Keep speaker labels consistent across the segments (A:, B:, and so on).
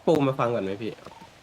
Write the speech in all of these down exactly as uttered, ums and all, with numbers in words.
A: ปูมาฟังก่อนไหมพี่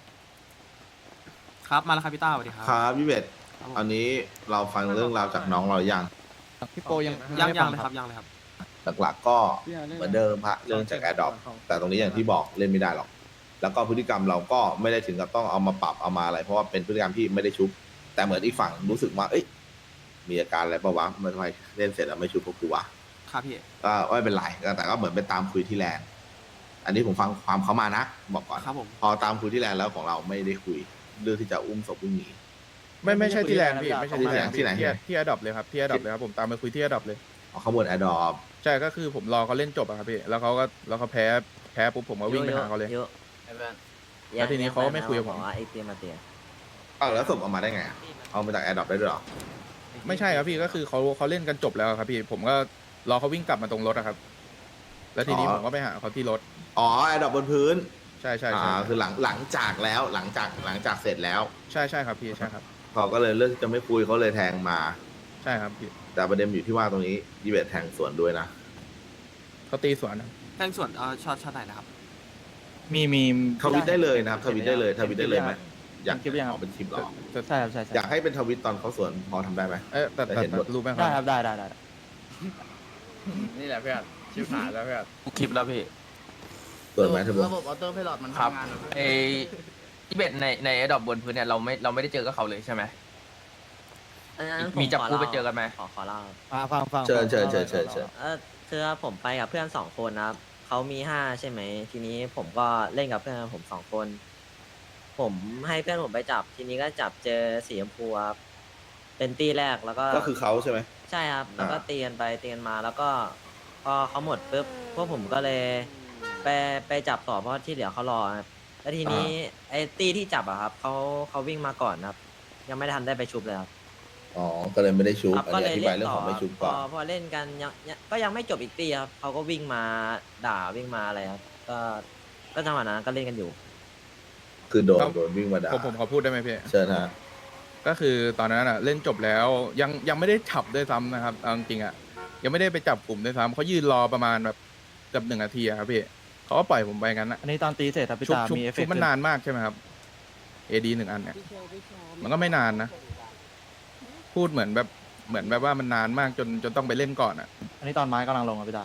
B: ครับมาแล้วครับพี่ต้าสวัสดีครับ
C: ครับพี่เบส
B: ครับผม
C: อันนี้เราฟังเรื่องราวจากน้องเราอย่าง
D: พี่โปยัง
B: ยัง
D: ไม่
B: ยัง
D: ฟั
B: เลยครับยังเลยครับ
C: หลักๆก็เหมือนเดิมฮะเรื่องจากแอดดอปแต่ตรงนี้อย่างที่บอกเล่นไม่ได้หรอก แล้วก็พฤติกรรมเราก็ไม่ได้ถึงกับต้องเอามาปรับเอามาอะไร เพราะว่าเป็นพฤติกรรมที่ไม่ได้ชุบ แต่เหมือนอีกฝั่งรู้สึกว่าเอ้ยมีอาการอะไรปะวะมันทำไมเล่นเสร็จแล้วไม่ชุบพวกกูวะ
B: ครับพี่
C: ก็ไม่เป็นไรแต่ก็เหมือนไปตามคุยที่แลนด์อันนี้ผมฟังความเขามานะบอกก่อน
B: ครับผม
C: พอตามคุยที่แลนด์แล้วของเราไม่ได้คุยเรื่องที่จะอุ้มศพวิ่งหนี
D: ไม่ไม่ใช่ที่แลนด์พี่ไม่ใช่ที่แลนด์
C: ที่ไหน
D: ที่ที่อดอปเลยครับที่อดอปเลยครับผมตามไปคุยที่อดอปเลย
C: เอาขบวนแอดดอป
D: ใช่ก็คือผมรอเขาเล่นจบอะครับพี่แล้วเขาก็แล้วเขาแพ้แพ้ปุ๊บผมก็วิ่งไปหาเขาเลย
E: ยอะ
D: แล้วทีนี้เขาก็ไม่คุยกับผม
E: บอกว่าไอเตียมาเตีย
C: เอาแล้วศพเอามาได้ไงอะเอามาจากแอดดอปได้ด้วยเหรอ
D: ไม่ใช่ครับพี่ก็คือเขาเขาเล่นกันจบแล้วครับพี่ผมก็รอเขาวิ่งกลับมาตรงรถอะครับ แล้วทีนี้ผมก็ไปหาเขาที่รถ
C: อ๋อแอดดอปบนพื้น
D: ใช่ใช่
C: อ่า
D: ใช่
C: คือหลังหลังจากแล้วหลังจากหลังจากเสร็จแล้ว
D: ใช่ใช่ครับพี่ใช่ครับ
C: เขาก็เลยเลือกที่จะไม่คุยเขาเลยแทงมา
D: ใช่ครับพี่
C: แต่ประเด็นอยู่ที่ว่าตรงนี้ยีเวทแทงสวนด้วยนะ
D: เขาตีสวนครับ
B: แจ้งส่วนเอ่อช็อตช็อตไหนนะครับ
D: มีมี
C: ทวิตได้เลยนะครับทวิตได้เลยทวิตได้เลยไหมอยาก
D: คลิปยังครับ
C: ออกเป็นคลิปหรอ
D: ใช่ครับใช่ใช่
C: อยากให้เป็นทวิตตอนเขาสวนพอทำได้ไหม
D: เอ๊ะแต่
C: แต่
D: แต่
C: เห็นหมด
D: รู้ไหมค
F: ได้ค
D: รั
F: รั
D: บบ
F: ได้ได้ได้
D: นี่แหละเพื่อนชิบหายแล้วเพื่อน
G: คลิปแล้วพี่
C: สวนไหมเธอบอก
F: ระบบออโต้ไพลอตมัน
G: ครับ
F: ทำงานเหรอพี่
G: ไอที่เบ็ดในในไอดอบบนพื้นเนี่ยเราไม่เราไม่ได้เจอกับเขาเลยใช่ไหม
E: อันนั้น
G: มีจับ
E: ผข
G: คู่
E: ล่า
G: ไปเจอกันไหม
E: ขอขอเล่า
F: ฟังฟังฟัง
C: เชิญเชิญเชิญเชิญเชิญ
E: เออคือผมไปกับเพื่อนสองคนนะครับเขามีห้าใช่ไหมทีนี้ผมก็เล่นกับเพื่อนผมสองคน ผมให้เพื่อนผมไปจับ ทีนี้ก็จับเจอสีชมพูครับเป็นตีแรกแล้วก็
C: ก็คือเขาใช่ไหม
E: ใช่ครับ แล้วก็
C: อ่า
E: ตีกันไปตีกันมาแล้วก็พอเขาหมดปุ๊บพวกผมก็เลยไปไปจับต่อเพราะที่เหลือเขารอครับแล้วทีนี้ไอ้ตีที่จับอะครับเขาเขาวิ่งมาก่อนครับ ยังไม่ทันได้ไปชุบเลยครับ
C: อ๋อก็เลยไม่ได้ชุบ
E: ครับ
C: อัน
E: ก็
C: นี้
E: เล
C: อย ธิบายเรื่อง
E: เล่นต่
C: ข
E: อ
C: องไม่ชุบ
E: พ
C: ก่อ
E: อน พอเล่นกันยังยังก็ยังไม่จบอีกตีครับเขาก็วิ่งมาด่าวิ่งมาอะไรครับก็ก็จังหวะนั้นก็เล่นกันอยู่
C: คือโดนโดนวิ่งมาด่า
D: ผมผมขอพูดได้ไหมพี่
C: เชิญฮะ
D: ก็คือตอนนั้นอ่ะเล่นจบแล้วยังยังไม่ได้จับด้วยซ้ำนะครับเอาจริงๆอ่ะยังไม่ได้ไปจับกลุ่มด้วยซ้ำเขายืนรอประมาณแบบเกือบหนึ่งนาทีอะครับพี่เขาก็ปล่อยผมไปงั้นนะ
F: อันนี้ตอนตีเสร็จครับพี่
D: ชุบ
F: ตา
D: ชุบ
F: มีเอฟเฟ
D: ชุ
F: ก
D: บ
F: ต์
D: มันนานมากใช่ไหมครับเอดีหนึ่งอันเนี่ยมันก็ไม่นานนะ พูดเหมือนแบบเหมือนแบบว่ามันนานมากจนจนต้องไปเล่นก่อนอ่ะ
F: อันนี้ตอนไม้กำลังลงครับพี่ตา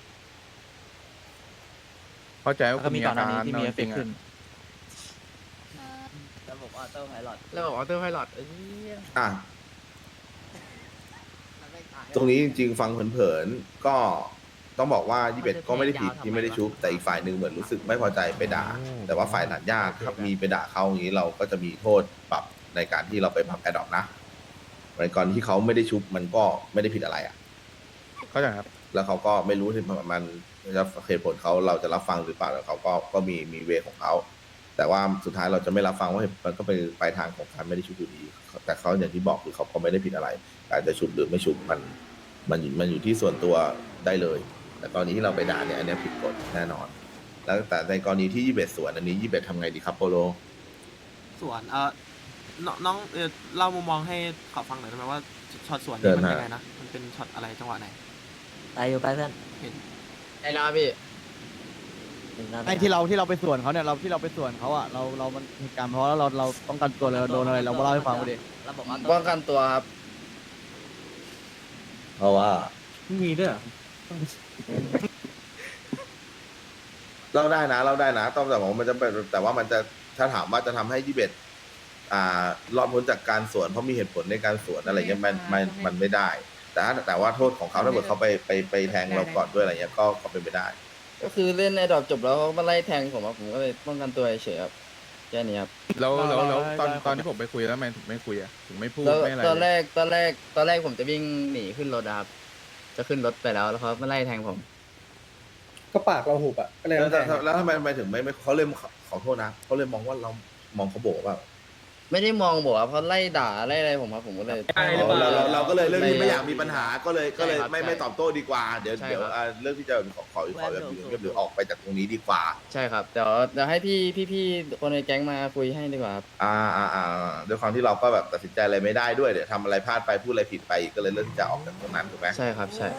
D: เข้าใจ
F: แล้ว
D: ว่า
F: ก็
D: คุณ
F: มี
D: มี
F: ก่อ
D: อาน
F: หน้า
D: การ
F: นี้ที่มีเอ
D: เอา
F: ฟ
D: จ
F: เฟ
D: ริ
F: ก
D: ง
F: ต์
D: ๆ
F: ขึ้น
E: ระบบออโต้ไพลอต
D: ระบบออโต้ไพลอต
C: อ่ะตรงนี้จริงๆฟังเผินๆก็ต้องบอกว่ายี่เป็ดก็ไม่ได้ผิดที่ไม่ได้ชุบ แต่อีกฝ่ายหนึ่งเหมือนรู้สึกไม่พอใจไปด่า แต่ว่าฝ่ายหนัดญาติถ้ามีไปด่าเขาอย่างนี้เราก็จะมีโทษปรับในการที่เราไปปรับแอดดอปนะในกรณีที่เขาไม่ได้ชุบมันก็ไม่ได้ผิดอะไรอ่ะ
D: เข้าใจครับ
C: แล้วเขาก็ไม่รู้ที่มันจะเหตุผลเขาเราจะรับฟังหรือเปล่าแต่เขาก็ก็มีมีเวของเขาแต่ว่าสุดท้ายเราจะไม่รับฟังว่ามันก็เป็นปลายทางของการไม่ได้ชุบอยู่ดีแต่เขาอย่างที่บอกคือเขาก็ไม่ได้ผิดอะไรการจะชุบหรือไม่ชุบมันมันอยู่มันอยู่ที่ส่วนตัวได้เลย แต่ตอนนี้ที่เราไปด่าเนี่ยอันนี้ผิดกฎแน่นอน แล้วแต่ในกรณีที่ยี่สิบเอ็ดสวนอันนี้ยี่สิบเอ็ดทำไงดีครับโปโล
B: ส่วนเอ่อน้องน้องเออเล่ามุมมองให้เขาฟังหน่อยได้ไหมว่าช็อตสวน
C: เชิ
B: นี่
C: ญ
B: มัน
C: ฮะ
B: ยังไงนะมันเป็นช็อตอะไรจังหวะไหน
E: ไปอยู่ไปเพื่อน
F: ไอ้นะพี่
E: ถึงแล้ว
F: ไอ้ที่เราที่เราไปสวนเขาเนี่ยเราที่เราไปสวนเขาอ่ะเราเรามันเหตุการณ์เพราะว่าเราเราป้องกันตัวเลยเราโดนอะไรเราเล่าให้ฟังมาดิ
E: ระบบออโต้
F: ป้องกันตัวครับ
C: เพราะว่า
F: มีด้วย
C: เล่าได้นะเล่าได้นะต้องแต่ว่ามันจะเป็นแต่ว่ามันจะถ้าถามว่าจะทำให้ยี่สิบเอ็ดอ่ารอดพ้นจากการสวนเพราะมีเหตุผลในการสวนอะไรเงี้ยมันมันมันไม่ได้ แต่ถ้าแต่ว่าโทษของเขาถ้าเกิดเขาไปไปไปแทงเราก่อนด้วยอะไรเงี้ยก็ก็เป็นไปได้
H: ก็คือเล่นในดอกจบแล้วเขามาไล่แทงผมอะผมก็เลยป้องกันตัวเฉยๆครับแค่นี้ครับ
D: แล้วแล้วแล้วตอน
F: ได้ได้
D: ตอนที่ผมไปคุยแล้วทำไมถึงไม่คุยอ่ะถึงไม่พูด
H: แล้ว
D: ไม่อะไร
H: ตอน
D: เลย
H: แรกตอนแรกตอนแรกผมจะวิ่งหนีขึ้นรถอะครับ จะขึ้นรถไปแล้วแล้วเขามาไล่แทงผม
I: ก็ปากเราหุบอ่ะ ก็เลย
C: แล้ว
I: ต้อง
C: แล้ว
I: แทง
C: แล้วทำไมทำไมถึงไม่ไม่เขาเลยขอขอโทษนะเขาเลยมองว่าเรามองเขาโบกว่า
H: ไม่ได้มองบอกว่าเขาไล่ด่าไล่อะไรผมครับผมก็เลย
C: อ๋อเราเราเราก็เลยเรื่องที่ไม่อยากมีปัญหาก็เลยก็เลย
H: ใช่ครับ
C: ไม่ไม่ตอบโต้ดีกว่าเดี๋ยว
H: ใช่
C: เดี๋ยว
H: ครับ
C: อ่าเรื่องที่จะขอขอขอแบบอยู่เงียบๆหรือออกไปจากตรงนี้ดีกว่า
H: ใช่ครับเดี๋ยวเดี๋ยวให้พี่พี่พี่คนในแก๊งมาคุยให้ดีกว่าครับ
C: อ่าอ่าอ่าด้วยความที่เราก็แบบตัดสินใจอะไรไม่ได้ด้วยเดี๋ยวทำอะไรพลาดไปพูดอะไรผิดไปอีกก็เลยเลือกที่จะออกจากตรงนั้นถูกไหม
H: ใช่ครับใช่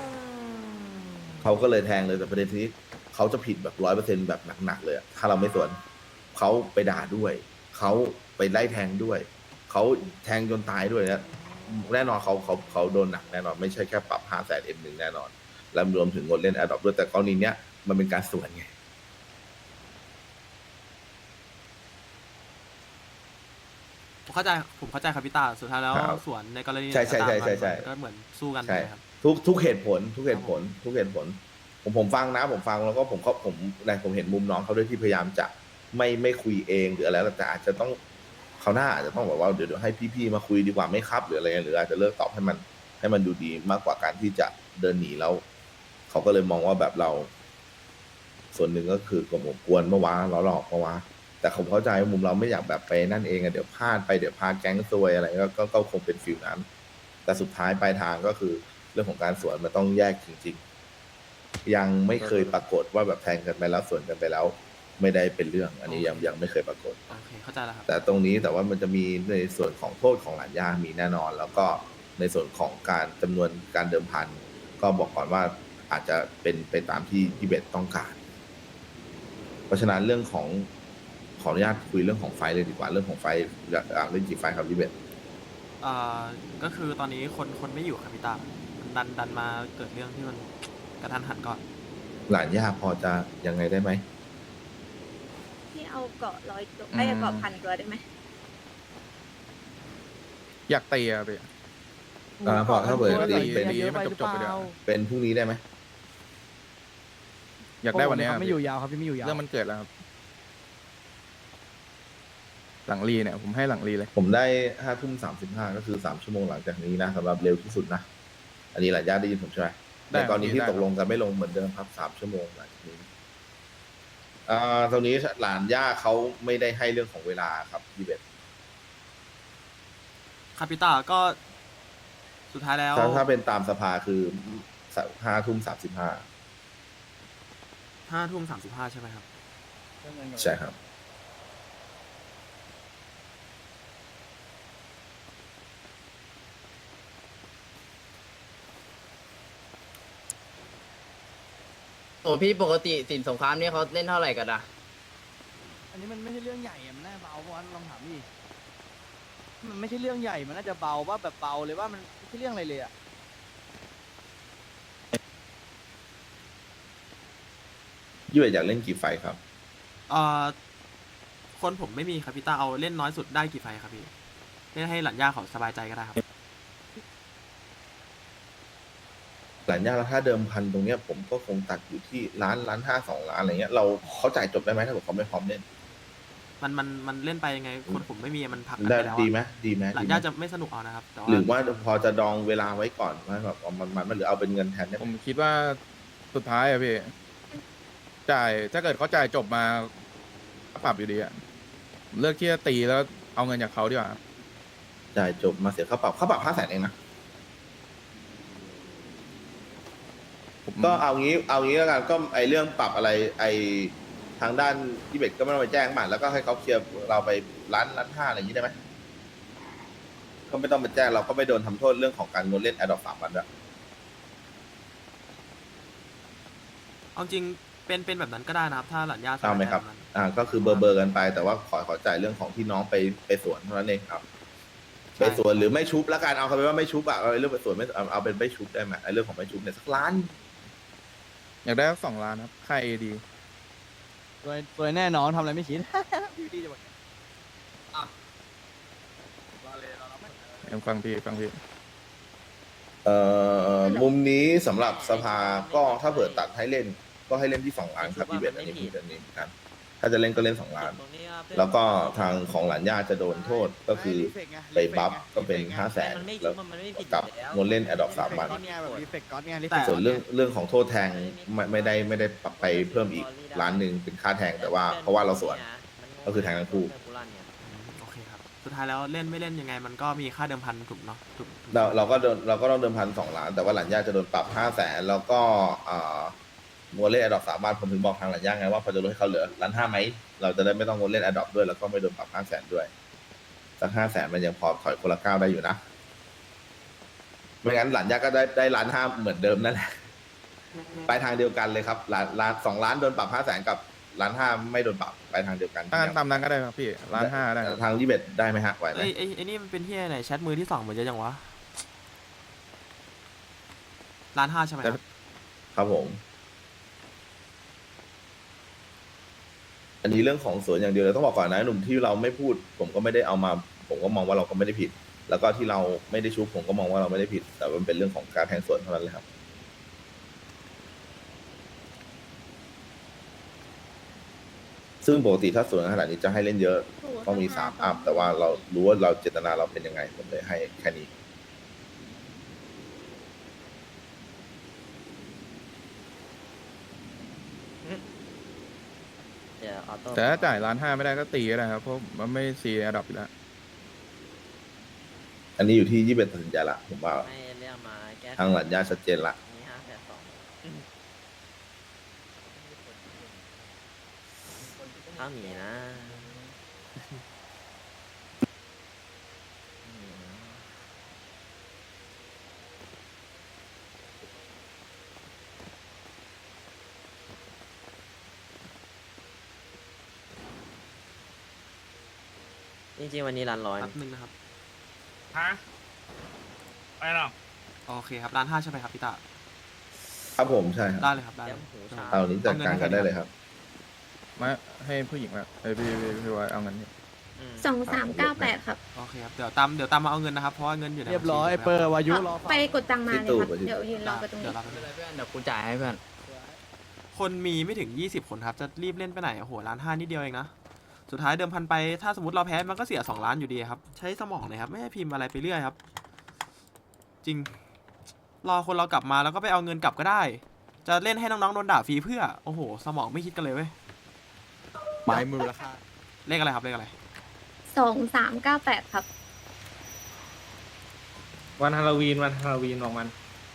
C: เขาก็เลยแทงเลยแต่ประเด็นที่เขาจะผิดแบบร้อยเปอร์เซ็นต์แบบหนักๆเลยอะถ้าเราไม่สวนเขาไปด่าด้วยเขาไปไล่แทงด้วยเขาแทงจนตายด้วยนะแน่นอนเขาเขาเขาโดนหนักแน่นอนไม่ใช่แค่ปรับห้าแสนเอ็มหนึ่งแน่นอนและรวมถึงงดเล่นแอดดอปด้วยแต่กรณีเนี้ยมันเป็นการสวนไง
B: ผมเข้าใจผมเข้าใจครับพี่ตาสุดท้ายแล้ว
C: ครับ
B: สวนในกรณี
C: ใช่ใช่ใช่
B: ต่างๆ
C: ใช่ใช่
B: มันก็เหมือนสู้กัน
C: ใช่
B: ใช่ไหมครับ
C: ทุกทุกเหตุผล ทุกเหตุผล ทุกเหตุผล ผมผมฟังนะ ผมฟังแล้วก็ผมเขาผมในผมเห็นมุมน้องเขาด้วยที่พยายามจะไม่ไม่คุยเองหรืออะไรแล้วแต่อาจจะต้องเขาวหน้าอาจจะต้องบอกว่าเดี๋ยวเดี๋ยวให้พี่ๆมาคุยดีกว่าไหม่ครับหรืออะไรเงี้ยหรืออาจจะเลิกตอบให้มันให้มันดูดีมากกว่าการที่จะเดินหนีแล้วเขาก็เลยมองว่าแบบเรา ส่วนหนึ่งก็คือกลมกวนเมื่อวานเราหลอกเมื่อวานแต่ผมเข้าใจว่ามุมเราไม่อยากแบบไปนั่นเองอะเดี๋ยวพลาดไปเดี๋ยวพาแก๊งซวยอะไรก็ก็ก็คงเป็นฟิลนั้น แต่สุดท้ายปลายทางก็คือเรื่องของการสวนมันต้องแยกจริงๆยังไม่เคยปรากฏว่าแบบแทงกันไปแล้วสวนกันไปแล้ว ไม่ได้เป็นเรื่อง อันนี้ยังยังไม่เคยปรากฏ
B: โอเคเข้าใจแล้วครับ
C: แต่ตรงนี้แต่ว่ามันจะมีในส่วนของโทษของหลานย่ามีแน่นอน แล้วก็ในส่วนของการจำนวนการเดิมพันก็บอกก่อนว่าอาจจะเป็นไปตามที่ที่เบสต้องการ เพราะฉะนั้นเรื่องของขออนุญาตคุยเรื่องของไฟเลยดีกว่าเรื่องของไฟอยากอยากเล่นกี่ไฟครับพี่เบส
B: เอ่อก็คือตอนนี้คนคนไม่อยู่ครับพี่ตาดันดันมาเกิดเรื่องที่มันกระทันหันก่อน
C: หลานย่าพอจะยังไงได้ไหม
A: ที่เอาเกาะร้อยตัวไอ้ยเกาะพันตัวได้ไหม
D: อยากตีอะพี่
C: อ่าพอถ้าเปิด
D: ก็
C: ตี
D: ตี
C: เป็น
D: ตีให้มันจบๆไปเดี๋ยวา
C: เป็นพรุ่งนี้ได้ไหม
D: อยากได้วันเนี้ย
F: เขาไม่อยู่ยาวครับพี่ไม่อยู่ยาว
D: เรื่องมันเกิดแล้วครับ หลังรีเนี่ยผมให้หลังรีเลย
C: ผมได้ห้าทุ่มสามสิบห้าก็คือสามชั่วโมงหลังจากนี้นะสำหรับเร็วที่สุดนะ อันนี้หลานย่าได้ยินผมใช่ไหม
D: ได้
C: ในกรณีที่
D: ได้
C: ตกลงกันไม่ลงเหมือนเดิมครับสามชั่วโมงหลังจากนี้อ่าตรงนี้หลานย่าเขาไม่ได้ให้เรื่องของเวลาครับพี่เบส
B: ครับพี่ตาก็สุดท้ายแล้ว
C: ถ้าถ้าเป็นตามสภาคือห้าทุ่มสามสิบห้า
B: ห้าทุ่มสามสิบห้าใช่ไหมครับ
C: ใช่ครับ
H: โอ้พี่ปกติสินสงครามเนี่ยเขาเล่นเท่าไหร่กันอะ
F: อันนี้มันไม่ใช่เรื่องใหญ่อะมันน่าเบาเพราะว่าลองถามดิมันไม่ใช่เรื่องใหญ่มันน่าจะเบาว่าแบบเบาเลยว่ามันไม่ใช่เรื่องอะไรเลยอะ
C: พี่เบสอยากเล่นกี่ไฟครับ
B: เอ่อคนผมไม่มีครับพี่ตาเอาเล่นน้อยสุดได้กี่ไฟครับพี่เล่นให้หลานย่าเขาสบายใจก็ได้ครับ
C: หลานย่าแล้วถ้าเดิมพันตรงเนี้ยผมก็คงตัดอยู่ที่ล้านล้านห้าสองล้านอะไรเงี้ยเราเขาจ่ายจบได้ไหมถ้าเกิดเขาไม่พร้อมเล่น
B: มันมันมันเล่นไปยังไง คนผมไม่มีมันพักกัน
C: ได้
B: ไปแล้ว
C: ดีไหม
B: อะ
C: ดีไหม
B: หลาน
C: ดีไหม
B: ย่าจะไม่สนุกเอานะครับแต่ว่า
C: หรือว่าพอจะดองเวลาไว้ก่อนว่าแบบว่ามันมันมันหรือเอาเป็นเงินแทนได้ไห
D: ผม มคิดว่าสุดท้ายอะพี่ จ่ายถ้าเกิดเขาจ่ายจบมาก็ปรับอยู่ดีอะผมเลือกที่จะตีแล้วเอาเงินจากเขาดีกว่า
C: จ่ายจบมาเสียค่าปรับค่าปรับห้าแสนเองนะ
D: ผม
C: ก็เอางี้เอางี้แล้วกันก็ไอเรื่องปรับอะไรไอทางด้านที่เบตก็ไม่ต้องไปแจ้งมาแล้วก็ให้เขาเคลียร์เราไปล้านล้านห้าอะไรอย่างนี้ได้ไหมก็ไม่ต้องไปแจ้งเราก็ไม่โดนทำโทษเรื่องของการงดเล่นแอดดอกสามวันด้วย
B: เอาจริงเป็นเป็นแบบนั้นก็ได้นะครับ ถ้าหลานย่าส
C: เอา
B: บาย
C: ไหม
B: ใจ
C: ครับ
B: แบบนั้น
C: อ่าก็คือเบอร์เบอร์กันไป แต่ว่าขอขอจ่ายเรื่องของที่น้องไปไปสวนเท่านั้นเองครับ ไปสวนหรือไม่ชุบแล้วกันเอาคำว่าไม่ชุบอะเอาเรื่องไปสวนไม่เอาเอาเป็นไม่ชุบได้ไหมไอเรื่องของไม่ชุบเนี่ยสักล้าน
D: อยากได้สักสองล้านครับ ค่าเอดี
F: ตัวตัวแน่นอนทำอะไรไม่คิด อยู่ดีจะบอก
D: ฟังพี่ฟังพี่
C: เอ่อมุมนี้สำหรับสภาก็ถ้าเปิดตัดให้เล่น ก็ให้เล่นที่สองล้านครับพี่เบสอันนี้พูดอันนี้ครับถ้าจะเล่นก็เล่นสองล้าน แล้วก็ทางของหลานย่าจะโดนโทษก็คือไปบัฟก็เป็นห้าแสน
E: มันไม่
C: แล้ว
E: มันไม่ผิด
C: กับ
E: อยู่แล้ว
C: งดเล่นแอดดอกสามวัน
F: เนี่ยแบบรีเฟกก๊อตเนี่ยรีเฟ
B: แต่
F: ก
C: ส่วนเรื่องเรื่องของโทษแทงไม่ไม่ได้ไม่ได้ปรับไปเพิ่มอีกล้านหนึ่งเป็นค่าแทงแต่ว่าเพราะว่าเราสวน ก็คือแทงทั้งคู่
B: อืมโอเคครับสุดท้ายแล้วเล่นไม่เล่นยังไง มันก็มีค่าเดิมพันถูกเนาะถูกถูก
C: เราเราก็โดนเราก็ต้องเดิมพันสองล้าน แต่ว่าหลันย่าจะโดนปรับห้าแสนแล้วก็อ่าโมเล่นแอดดอกสามวันผมถึงบอกทางหลันย่าไงว่าพอจะลดให้เขาเหลือล้านห้าไหมเราจะได้ไม่ต้องโมเล่นแอดดอกด้วยแล้วก็ไม่โดนปรับห้าแสนด้วยสักห้าแสนมันยังพอถอยคนละก้าวได้อยู่นะไม่งั้นหลันย่าก็ได้ได้ล้านห้าเหมือนเดิมนั่นแหละไปทางเดียวกันเลยครับล้านล้านสองล้านโดนปรับห้าแสนกับล้านห้าไม่โดนปรับไปทางเดียวกัน
D: ถ้างั้นตามนั้นก็ได้ครับพี่ล้านห้าได้ครับ
C: ทางยี่สิบเอ็ดได้ไหมฮะไหวไหม
B: ไอ้ไอ้ไอ้นี่มันเป็นที่ไหนแชทมือที่สองเหมือนจะยังวะล้านห้าใช่ไหมครับ
C: ครับผม อันนี้เรื่องของสวนอย่างเดียวเลยต้องบอกก่อนนะหนุ่มที่เราไม่พูด ผมก็ไม่ได้เอามา ผมก็มองว่าเราก็ไม่ได้ผิด แล้วก็ที่เราไม่ได้ชุบผมก็มองว่าเราไม่ได้ผิด แต่มันเป็นเรื่องของการแทงสวนเท่านั้นเลยครับ ซึ่งปกติถ้าสวนขนาดนี้จะให้เล่นเยอะต้องมีสามอัพแต่ว่าเรารู้ว่าเราเจตนาเราเป็นยังไงผมเลยให้แค่นี้
E: เดี๋ยวออโต้
D: แต่ถ้าจ่ายล้านห้าไม่ได้ก็ตีก็ได้ครับเพราะมันไม่ซีระดับอยู่แล้ว
C: อันนี้อยู่ที่ยี่สิบเอ็ดตัดสินใจละผมว่า
E: ให้เรื่องมาแก้
C: ทางหลัญญาชัดเจนละ
E: มีห้าแปดสองถ้ามีนะจริงๆวันนี้ร้านร้อย
B: แป๊บนึงนะครับ
J: ฮะไปหรอ
B: โอเคครับล้านห้าใช่ไหมครับพี่ตา
C: ครับผมใช่ครับ
B: ได้เลยครับได้เลย
E: เดี๋ยวหูชา
C: เอานี้จัดการกันได้เลยครับ
D: มาให้ผู้หญิงละเอ้ยพี่พี่พี่ไว้เอาเงินนี่
E: อืม
A: สองสามเก้าแปดครับ
B: โอเคครับเดี๋ยวตามเดี๋ยวตามมาเอาเงินนะครับเพราะว่าเงินอยู่ใน
F: เรียบร้อย
B: บัญชี
F: เปอร์วายุรอ
A: ไปกดตังค์มาเลยครับ
C: ที่ตู้
A: เดี๋ยวยืนรอไปตรง
B: เดี๋
A: นี้
B: ยวรับไป
H: ไม่เป็นไรเพื่อนเดี๋ยวกูจ่ายให้เพื่อน
B: คนมีไม่ถึงยี่สิบคนครับจะรีบเล่นไปไหนโอ้โหล้านห้านิดเดียวเองนะสุดท้ายเดิมพันไปถ้าสมมติเราแพ้มันก็เสียสองล้านอยู่ดีครับใช้สมองหน่อยครับไม่ให้พิมพ์อะไรไปเรื่อยครับ จริง รอคนเรากลับมาแล้วก็ไปเอาเงินกลับก็ได้ จะเล่นให้น้องๆโดนด่าฟรีเพื่อโอ้โหสมองไม่คิดกันเลยเว้ย
D: ไม้มูลค่า
B: เลขอะไรครับเลขอะไร
A: สองสามเก้าแปดครับ
J: วันฮาโลวีนวันฮาโลวีนของมัน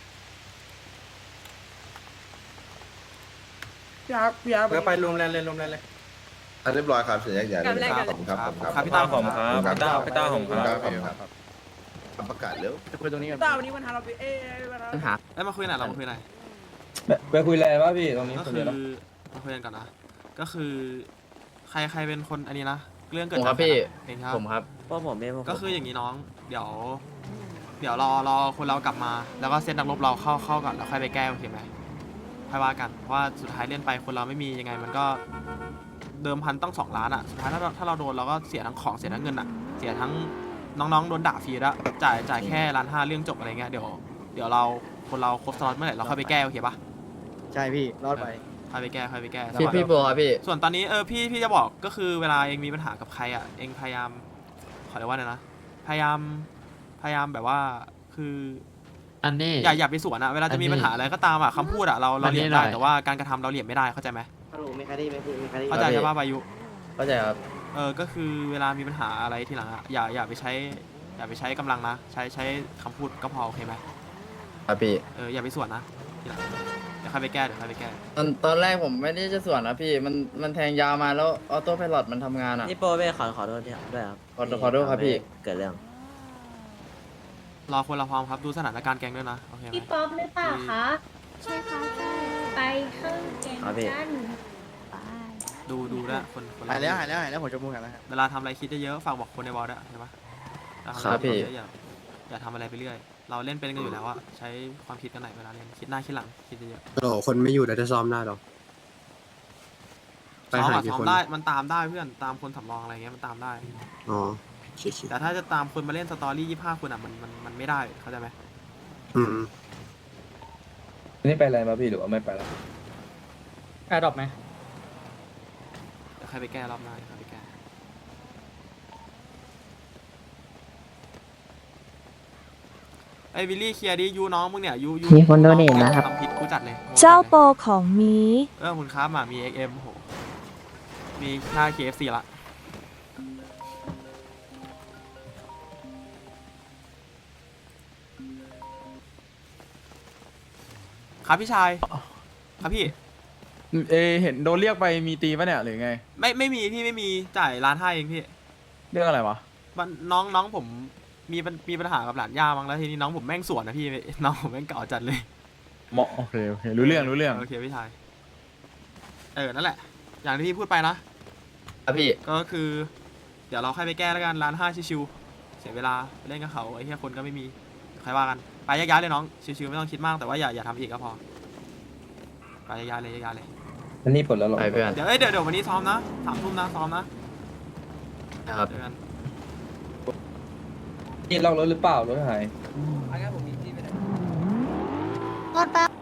I: พี่อาร์พี่อาร์
J: เพื่อไปรวมแรงเลยรวมแรงเลย
C: อ่ะเรียบร้อยครับเสียแยกย้ายเลยนะครับขอบคุณครับขอบคุณ
B: ครับ
C: ครับ
B: พี่ต้าผม
C: ขอบคุณครับ
G: พี่ต้าพี่ต้าผมครับ
C: ขอบคุณครับประกาศเร็ว
F: จะคุยตรงนี้กัน
I: ต้าวันนี้วันฮาโลวีนเอ้ยวันฮาโล
H: ปั
I: วี
H: ญ
I: น
H: หา
B: เอ้ยมาคุยหน่อยเรามาคุยหน่อย
J: ไปคุยอะไรวะพี่ตรงนี้
B: ก็
J: คน
B: คื
J: เดี
B: อ
J: ยว
B: มาคุยกันก่อนนะก็คือใครใครเป็นคนอันนี้นะเรื่องเกิด
H: ผมค
B: จา
H: รั
B: ก
H: บพี่
B: เองครับ
H: ผมครับ
E: พวกผมเองพวกผม
B: ก็คืออย่างนี้น้อง เดี๋ยว เดี๋ยวรอรอคนเรากลับมา แล้วก็เซตนักรบเราเข้าเข้าก่อนแล้วค่อยไปแก้โอเคไหมค่อยว่ากันเพราะว่าสุดท้ายเล่นไปคนเราไม่มียังไงมันก็เดิมพันต้องสองล้านอ่ะสุดท้ายถ้าเราถ้าเราโดนเราก็เสียทั้งของเสียทั้งเงินอ่ะเสียทั้งน้องๆโดนด่าฟรีแล้วจ่ายจ่ายแค่ล้านห้าเรื่องจบอะไรเงี้ยเดี๋ยวเดี๋ยวเราคนเราครบสล็อตเมื่อไหร่เราค่อยไปแก้โอเคปะ
F: ใช่พี่รอดไป
B: ค่อยไปแก้ค่อยไปแก้
H: พี่พี่โบครับพี่
B: ส่วนตอนนี้เออพี่พี่จะบอกก็คือเวลาเองมีปัญหากับใครอ่ะเองพยายามขอเรียกว่าไงนะพยายามพยายามแบบว่าคือ
K: อันนี้
B: อย่าอย่าไปสวนอะเวลาจะมีปัญหาอะไรก็ตามอะคำพูดอะเราเราเหลี่ยมได้แต่ว่าการกระทำเราเหลี่ยมไม่ได้เข้าใจไหม
F: ฮัลโหลมีใครได้ไหมพี่มีใครได้
B: เข้าใจใช่ป่ะวายุ
H: เข้าใจครับ
B: เออก็คือเวลามีปัญหาอะไรทีหลังอะอย่าอย่าไปใช้อย่าไปใช้กำลังนะใช้ใช้คำพูดก็พอโอเคไหม
H: ครับพี่
B: เอออย่าไปสวนนะทีหลังเดี๋ยวค่อยไปแก้เดี๋ยวค่อยไปแก้
H: ตอนตอนแรกผมไม่ได้จะส่วนนะพี่ มันมันแทงยาวมาแล้วออโต้ไพลอตมันทำงานอ่ะ
E: นี่โปรเบ้ขอขอโทษด้วยครับ
H: ขอขอโทษครับพี่
E: เกิดเรื่อง
B: รอคนเราพร้อมครับดูสถานการณ์แกงด้วยนะโอเคไหม
A: พี่ป๊อปหรือเปล่าคะ ใช่ค่ะใช่ไปเข้าแกงกันไป
B: ดูดูด้วยคนคน
F: หายแล้วหายแล้วหายแล้วผมจะมูกหายแล้ว
B: เวลาทำอะไรคิดเยอะๆฝากบอกคนในบอลด้วยใช่ปะเวลาทำ
H: ครั
B: อะ
H: บ
B: ไร
H: พี่
B: คิดเยอะๆอย่าอย่าทำอะไรไปเรื่อยเราเล่นเป็นกันอยู่แล้วอะใช้ความคิดกันหน่อยเวลาเล่นคิดหน้าคิดหลังคิดเยอะๆ
K: โอ้คนไม่อยู่เดี๋ยวจะซ้อมได้หรอ ไป
B: ซ้อม
K: หา
B: อะ
K: กี่
B: ซ้อม
K: คน
B: ได้มันตามได้เพื่อนตามคนสำรองอะไรเงี้ยมันตามได้
K: อ๋อชิ
B: แต่ถ้าจะตามคนมาเล่นสตอรี่ยี่ห้าคนอะมันมันมันไม่ได้เข้าใจไหม
K: อืม
J: นี่ไปอะไรมาพี่หรือว่าไม่ไปแล้วแอร์ดรอปไหม
B: เดี๋ยวใครไปแก้รอบหน้าเดี๋ยวใครไปแก้ไอ้วิลลี่เคลียร์ดิยูน้องมึงเนี่ยยูยู
L: มีคนโดเนทนะครับ
B: ทำผิดกูจัดเลย
L: เจ้าโปรของมี
B: เออคุณครับมามี เอ็กซ์ เอ็ม โหมีค่า เค เอฟ ซี ละครับพี่ชายครับพี่
D: เอเห็นโดนเรียกไปมีตีปะเนี่ยหรือไง
B: ไม่ไม่มีพี่ไม่มีจ่ายล้านห้าเองพี่
D: เรื่องอะไรวะ
B: มันน้องน้องผมมีปัญมีปัญหากับหลานย่ามั้งแล้วทีนี้น้องผมแม่งสวนนะพี่ น้องผมแม่งเก่าจัดเลย
D: เหมาะโอเคโอเครู้เรื่องรู้เรื่อง
B: โอเคพี่ชายเออนั่นแหละอย่างที่พี่พูดไปนะครับ
H: พี่
B: ก็คือ เดี๋ยวเราค่อยไปแก้แล้วกันร้านห้าชิวๆเสียเวลาไปเล่นกับเขาไอ้เหี้ยคนก็ไม่มีใครว่ากันไปแยกย้ายเลยน้องชิวๆไม่ต้องคิดมากแต่ว่าอย่าอย่าทำอีกก็พอไปแยกย้ายเลยแยกย้ายเลย
J: อันนี้ปลดแล้วเหรอ
H: ไปเพื่อน
B: เดี๋ยวเอ้ยเดี๋ยวเดี๋ยววันนี้ซ้อมนะสามทุ่มนะซ้อมนะ
H: นะครับ
B: เจอกัน
J: นี่ล็อกรถหรือเปล่ารถหาย
L: รถแป๊บ